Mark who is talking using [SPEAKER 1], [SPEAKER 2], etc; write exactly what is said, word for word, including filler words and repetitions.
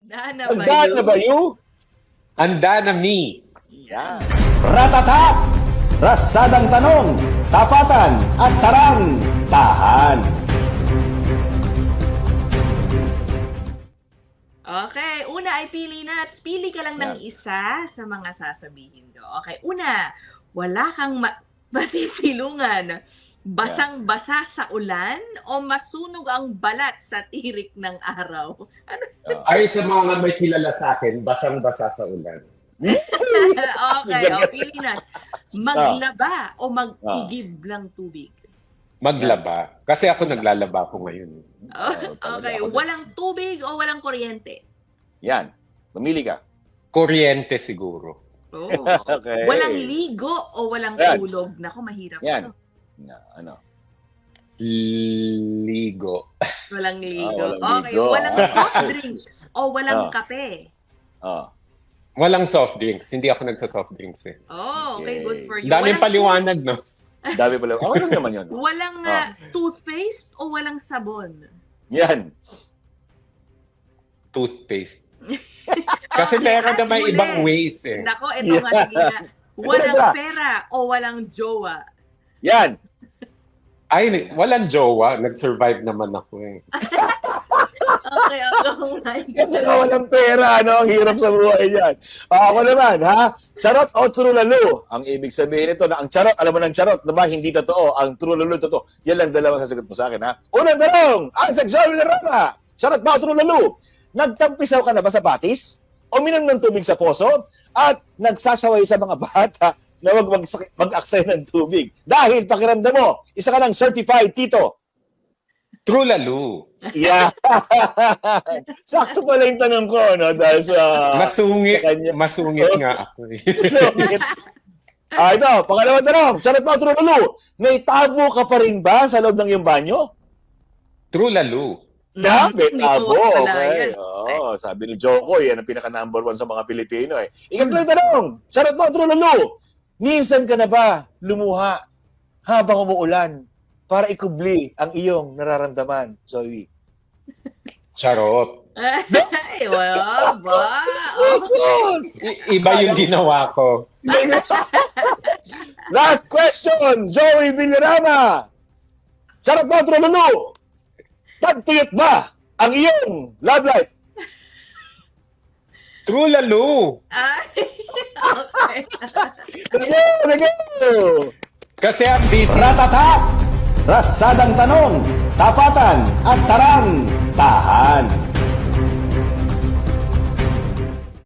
[SPEAKER 1] Handa na ba
[SPEAKER 2] Handa na ba you?
[SPEAKER 3] Handa na me.
[SPEAKER 2] Yan.
[SPEAKER 4] Ratatak! Ratsadang tanong, tapatan at tarang, tahan.
[SPEAKER 1] Okay, una ay pili na. Pili ka lang ng isa sa mga sasabihin ko. Okay, una, wala kang ma- masisilungan. Basang-basa sa ulan o masunog ang balat sa tirik ng araw? Ano?
[SPEAKER 3] Ay, sa mga may kilala sa akin, basang-basa sa ulan.
[SPEAKER 1] Okay, o pili na. Maglaba o magtigib ng tubig?
[SPEAKER 3] Maglaba. Kasi ako naglalaba ko ngayon.
[SPEAKER 1] Oh, okay, walang tubig o walang kuryente?
[SPEAKER 2] Yan. Mamili ka.
[SPEAKER 3] Kuryente siguro.
[SPEAKER 1] Oh.
[SPEAKER 2] Okay.
[SPEAKER 1] Walang ligo o walang
[SPEAKER 2] Yan.
[SPEAKER 1] tulog? Naku, mahirap
[SPEAKER 2] Yan.
[SPEAKER 1] ito.
[SPEAKER 2] Na, ano?
[SPEAKER 3] Ligo.
[SPEAKER 1] Walang ligo.
[SPEAKER 2] Ah, walang
[SPEAKER 1] Okay,
[SPEAKER 2] ligo.
[SPEAKER 1] walang soft drinks o walang
[SPEAKER 2] Ah.
[SPEAKER 1] kape?
[SPEAKER 2] Oh.
[SPEAKER 3] Walang soft drinks. Hindi ako nagsa-soft drinks eh.
[SPEAKER 1] Oh, okay,
[SPEAKER 2] Okay.
[SPEAKER 1] good for you.
[SPEAKER 3] Daming
[SPEAKER 1] Walang-
[SPEAKER 3] paliwanag, no?
[SPEAKER 2] Dami pala. Ako lang naman yun.
[SPEAKER 1] Walang
[SPEAKER 2] Ah.
[SPEAKER 1] ah, toothpaste o walang sabon?
[SPEAKER 2] Yan.
[SPEAKER 3] Toothpaste. Kasi meron
[SPEAKER 1] at
[SPEAKER 3] naman
[SPEAKER 1] huli.
[SPEAKER 3] ibang ways eh.
[SPEAKER 1] Nako, ito nga sige na. Walang pera o walang jowa?
[SPEAKER 2] Yan.
[SPEAKER 3] Ay, walang jowa. Nag-survive naman ako eh.
[SPEAKER 1] Okay, ako nga.
[SPEAKER 2] Kasi nga walang pera, ano? Ang hirap sa buhay yan. Ah, ako naman, ha? Charot o true lalo? Ang ibig sabihin nito na ang charot, alam mo ng charot, na ba hindi totoo? Ang true lalo totoo. Yan lang dalawang sasagot mo sa akin, ha? Unang tanong, ang sexual na rama. Charot ba o true lalo? Nagtampisaw ka na ba sa batis? O minom ng tubig sa poso? At nagsasaway sa mga bata na wag mag- mag-aksay ng tubig? Dahil pakiramdam mo, isa ka ng certified tito.
[SPEAKER 3] True lalo.
[SPEAKER 2] Yeah. Sakto pala yung tanong ko, no? Dahil sa...
[SPEAKER 3] Masungit.
[SPEAKER 2] sa kanya.
[SPEAKER 3] Masungit nga ako eh.
[SPEAKER 2] Ah, ito, pangalawang tanong. Charot ba o true lalo? May tabo ka pa rin ba sa loob ng iyong banyo?
[SPEAKER 3] True lalo.
[SPEAKER 2] Na, may
[SPEAKER 1] Hindi
[SPEAKER 2] tabo.
[SPEAKER 1] ko wala
[SPEAKER 2] Okay.
[SPEAKER 1] yan.
[SPEAKER 2] Oo, sabi ni Joko, yan ang pinaka-number one sa mga Pilipino. Eh. Ikatlong tanong. Charot ba o true lalo? Minsan ka na ba lumuha habang umuulan para ikubli ang iyong nararamdaman, Zoe?
[SPEAKER 3] Charot.
[SPEAKER 1] Ay, wala ba? Oh.
[SPEAKER 3] I- iba yung ginawa ko.
[SPEAKER 2] Last question, Joey Villarama. Charot ba o true lalo? Tagtuyot ba ang iyong love life?
[SPEAKER 3] True lalo.
[SPEAKER 1] Ay, okay.
[SPEAKER 2] Sige, sige.
[SPEAKER 3] Kasi ang busy.
[SPEAKER 4] Ratatak! Ratsadang tanong, tapatan at tarang, tahan.